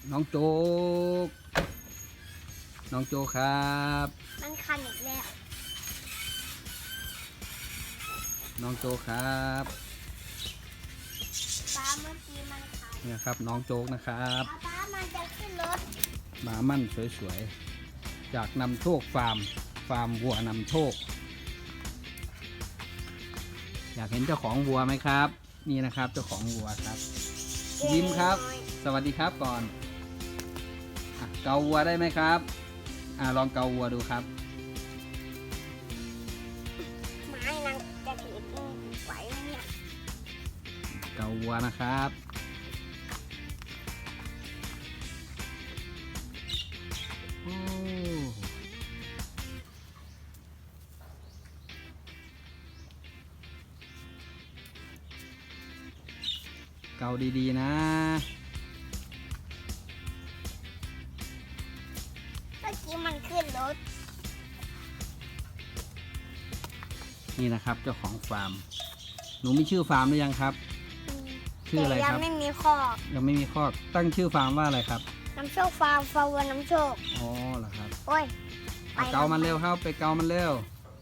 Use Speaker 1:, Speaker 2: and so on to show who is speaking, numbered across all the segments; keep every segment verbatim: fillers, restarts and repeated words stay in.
Speaker 1: น้องโจ๊กน้องโจ๊กครับ
Speaker 2: มันคันอีกแล้ว
Speaker 1: น้องโจ๊กครับ
Speaker 2: ป้าเมื่อกี้มันคัน
Speaker 1: เนี่ยครับน้องโจ๊กนะครับ
Speaker 2: ป้ามันจะขึ้นรถ
Speaker 1: หมามั่นสวยๆจากนำโชคฟาร์มฟาร์มวัวนำโชคอยากเห็นเจ้าของวัวไหมครับนี่นะครับเจ้าของวัวครับยิ้มครับสวัสดีครับก่อนเกาวัวได้ไหมครับอ่าลองเกาวัวดูครับ
Speaker 2: ไม้นางจะถือไหวเนี่ย
Speaker 1: เกาวัวนะครับโอ้เกาดีๆนะ
Speaker 2: เมื่อกี้มันขึ้นรถ
Speaker 1: นี่นะครับเจ้าของฟาร์มหนูมีชื่อฟาร์มหรือยังครับชื่ออะไรครับ
Speaker 2: ยังไม่มีคอก
Speaker 1: ยังไม่มีคอกตั้งชื่อฟาร์มว่าอะไรครับ
Speaker 2: น้ำโชคฟาร์มฟาร์มน้ำโชค
Speaker 1: อ๋อเหรอครับ
Speaker 2: โอ้ย
Speaker 1: ไปเกามันเร็วครับไปเกามันเร็ว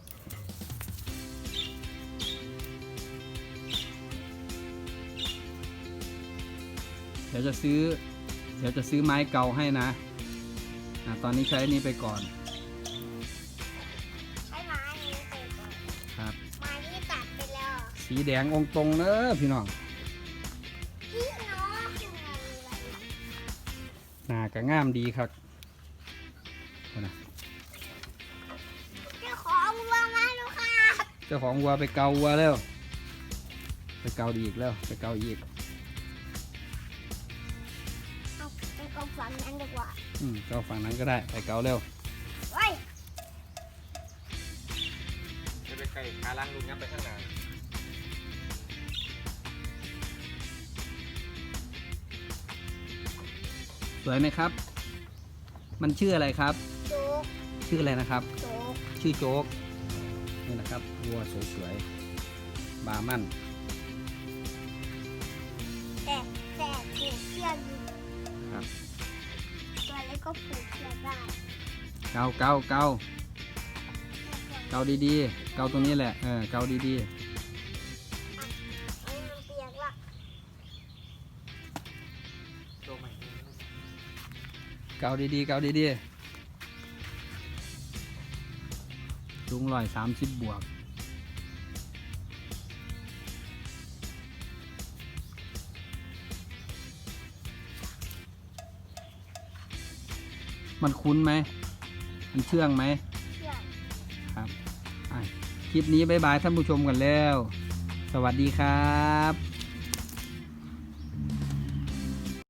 Speaker 1: เดี๋ยวจะซื้อเดี๋ยวจะซื้อไม้เกาให้นะอ่ะตอนนี้ใช้นี้ไปก่อน
Speaker 2: ใช้ไม้นี้ไปก่อน
Speaker 1: ครับ
Speaker 2: ไม้ที่ตัดไปแล้ว
Speaker 1: สีแดงองตรงเนอะพี่น้อง
Speaker 2: พี่น้องยังไงอะไร
Speaker 1: หน้าก็งามดีครับนะ
Speaker 2: เจ้าของวัวมาลูกค่ะ
Speaker 1: เจ้าของวัวไปเกาวัวแล้วไปเกาดีอีกแล้วไปเกาอีก
Speaker 2: เอาไปกองฝังนั้นดีกว่า
Speaker 1: อืมเกาฝั่งนั้นก็ได้ไปเกาเร็ว
Speaker 2: เฮ้ย
Speaker 3: จะไปไก่ขาล้างลุงงับไปข้างหน้า
Speaker 1: สวยไหมครับมันชื่ออะไรครับ
Speaker 2: โจ๊ก
Speaker 1: ชื่ออะไรนะครับ
Speaker 2: โจ๊ก
Speaker 1: ชื่อโจ๊กนี่นะครับวัวสวยๆบามั่น
Speaker 2: แต่แต่ผูกเชือกอยู่
Speaker 1: ครับ
Speaker 2: ตัวเล็กก็ผูกเชือกได้
Speaker 1: เกาเกาเกาเกาดีๆเกาตรงนี้แหละเออเกาดีๆเกาดีๆเกาดีๆสูงร้อยสามสิบบวกมันคุ้นไหมมันเชื่องไหม
Speaker 2: เชื่อง
Speaker 1: ครับคลิปนี้บ๊ายบายท่านผู้ชมกันแล้วสวัสดีครับ